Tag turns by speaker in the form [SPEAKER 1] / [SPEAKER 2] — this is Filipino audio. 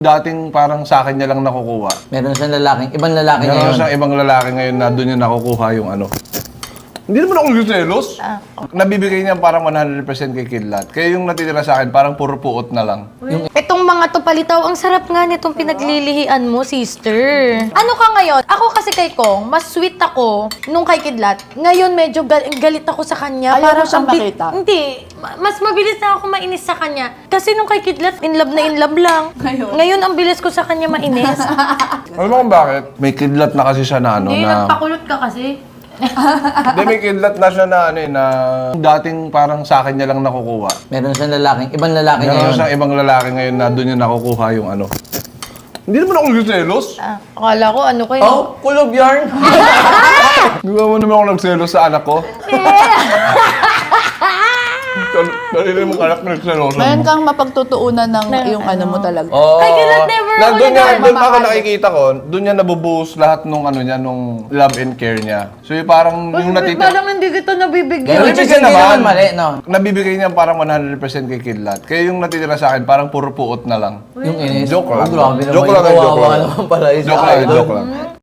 [SPEAKER 1] Dating parang sa akin niya lang nakukuha.
[SPEAKER 2] Meron siyang lalaking, ibang lalaki
[SPEAKER 1] Meron
[SPEAKER 2] ngayon.
[SPEAKER 1] siyang ibang lalaki ngayon na doon niya nakukuha yung ano. Hindi naman ako nagsiselos. Nabibigay niya parang 100% kay Kidlat. Kaya yung natitira sa akin parang puro puot na lang.
[SPEAKER 3] Itong mga to palitaw, ang sarap nga nitong pinaglilihian mo, sister. Ano ka ngayon? Ako kasi kay Kong, mas sweet ako nung kay Kidlat. Ngayon medyo galit ako sa kanya.
[SPEAKER 4] Ayaw mo siyang
[SPEAKER 3] ang
[SPEAKER 4] makita?
[SPEAKER 3] Hindi. Mas mabilis na ako mainis sa kanya. Kasi nung kay Kidlat, in love na in love lang. Ngayon ang bilis ko sa kanya mainis.
[SPEAKER 1] Alam mo kung bakit? May Kidlat na kasi siya na ano
[SPEAKER 3] Hindi,
[SPEAKER 1] na...
[SPEAKER 3] nagpakulot ka kasi.
[SPEAKER 1] Hindi, may Kidlat na siya na ano eh, na... Dating parang sa akin niya lang nakukuha.
[SPEAKER 2] Meron siyang lalaking, ibang lalaki
[SPEAKER 1] Meron
[SPEAKER 2] ngayon.
[SPEAKER 1] siyang ibang lalaki ngayon na doon niya nakukuha yung ano. Hindi naman ako nagsiselos.
[SPEAKER 3] Akala ko ano kayo.
[SPEAKER 2] Oh, kulob yarn!
[SPEAKER 1] Hindi mo naman ako nagselos sa anak ko. Kanina mong anak na nagselos.
[SPEAKER 4] Meron kang mapagtutuunan ng yung ano mo talaga.
[SPEAKER 2] Oh,
[SPEAKER 3] Kay Kidlat never ako
[SPEAKER 1] Doon niya,
[SPEAKER 3] nag-
[SPEAKER 1] doon ako nakikita ko, doon niya nabubuhos lahat nung ano niya, nung love and care niya. So yung parang yung natitira...
[SPEAKER 3] Parang hindi kita nabibigyan.
[SPEAKER 2] which is
[SPEAKER 1] Nabibigyan
[SPEAKER 2] hindi
[SPEAKER 1] naman.
[SPEAKER 2] naman mali, no?
[SPEAKER 1] Nabibigay niya parang 100% kay Kidlat. Kaya yung natitira sa akin, parang puro puot na lang.
[SPEAKER 2] Yung inis.
[SPEAKER 1] Joke lang.
[SPEAKER 2] Oh, grabe naman.
[SPEAKER 1] Joke lang,
[SPEAKER 2] Kawawa
[SPEAKER 1] joke lang.
[SPEAKER 2] naman pala isa
[SPEAKER 1] Joke lang,
[SPEAKER 2] idol.
[SPEAKER 1] joke lang.